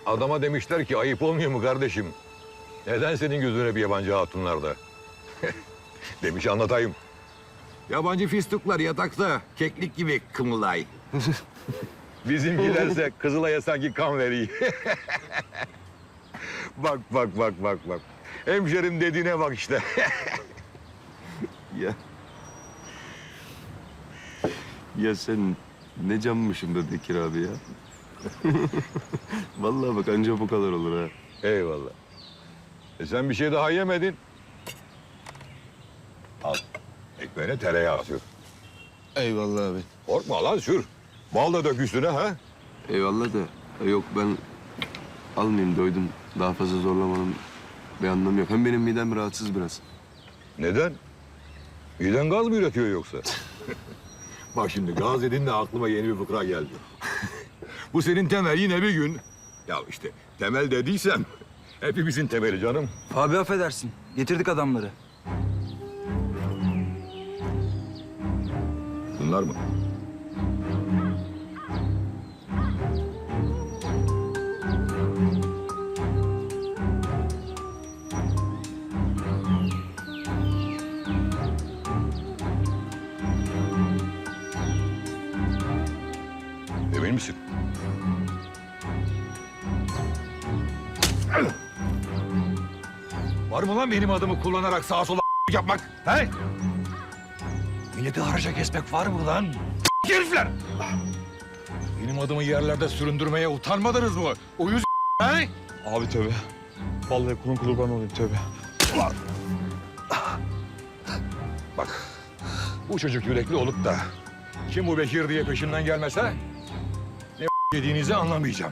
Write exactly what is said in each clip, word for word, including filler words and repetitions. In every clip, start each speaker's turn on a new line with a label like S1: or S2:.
S1: Adama demişler ki ayıp olmuyor mu kardeşim? Neden senin gözüne bir yabancı hatunlarda? Demiş anlatayım. Yabancı fistuklar yatakta keklik gibi kımılday. Bizimkilerse Kızılay'a sanki kan veriyor. Bak bak bak bak bak. Hemşerim dediğine bak işte.
S2: Ya. Ya sen ne canmışsın be Bekir abi ya. Vallahi bak anca bu kadar olur ha.
S1: Eyvallah. E sen bir şey daha yemedin. Al. Ekmeğine tereyağı sür.
S2: Eyvallah abi.
S1: Korkma lan sür. Bal da dök üstüne ha.
S2: Eyvallah da e, yok ben almayayım doydum. Daha fazla zorlamanın bir anlamı yok. Hem benim midem rahatsız biraz.
S1: Neden? Miden gaz mı üretiyor yoksa? Bak şimdi gaz dedin de aklıma yeni bir fıkra geldi. Bu senin temel yine bir gün. Ya işte temel dediysem hepimizin temeli canım.
S3: Abi affedersin. Getirdik adamları.
S1: Bunlar mı? Emin misin? Var mı lan benim adımı kullanarak sağa sola yapmak? He? Milleti haraca kesmek var mı lan? Herifler! Benim adımı yerlerde süründürmeye utanmadınız mı? Uyuz he?
S4: Abi tövbe. Vallahi kulun kurban olayım tövbe.
S1: Bak, bu çocuk yürekli olup da kim bu Bekir diye peşimden gelmese ne yediğinizi anlamayacağım.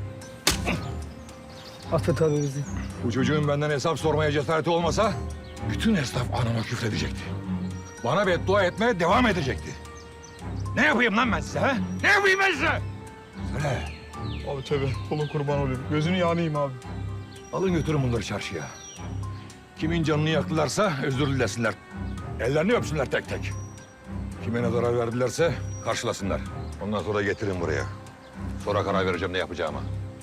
S3: Affet abi bizi.
S1: Bu çocuğun benden hesap sormaya cesareti olmasa bütün esnaf anama küfredecekti. Bana beddua etmeye devam edecekti. Ne yapayım lan ben size ha? Ne yapayım ben size? Söyle.
S4: Abi tövbe. Kulun kurban olayım. Gözünü yanayım abi.
S1: Alın götürün bunları çarşıya. Kimin canını yaktılarsa özür dilesinler. Ellerini öpsünler tek tek. Kime ne zarar verdilerse karşılasınlar. Ondan sonra getirin buraya. Sonra karar vereceğim ne yapacağıma.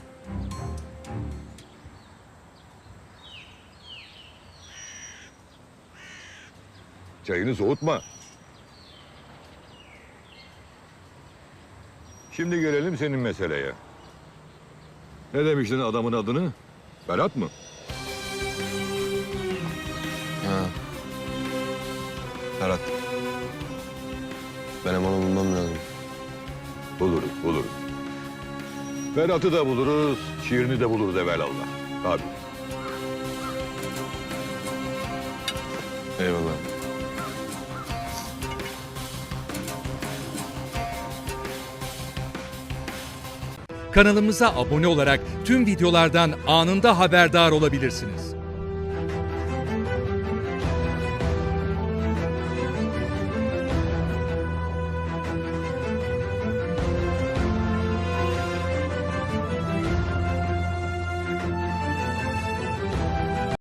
S1: Çayını soğutma. Şimdi gelelim senin meseleye. Ne demiştin adamın adını? Berat mı?
S2: Ha. Ferhat. Benim onu bulmam lazım.
S1: Buluruz, buluruz. Berat'ı da buluruz, şiirini de buluruz evelallah. Tabii.
S2: Eyvallah.
S5: Kanalımıza abone olarak tüm videolardan anında haberdar olabilirsiniz.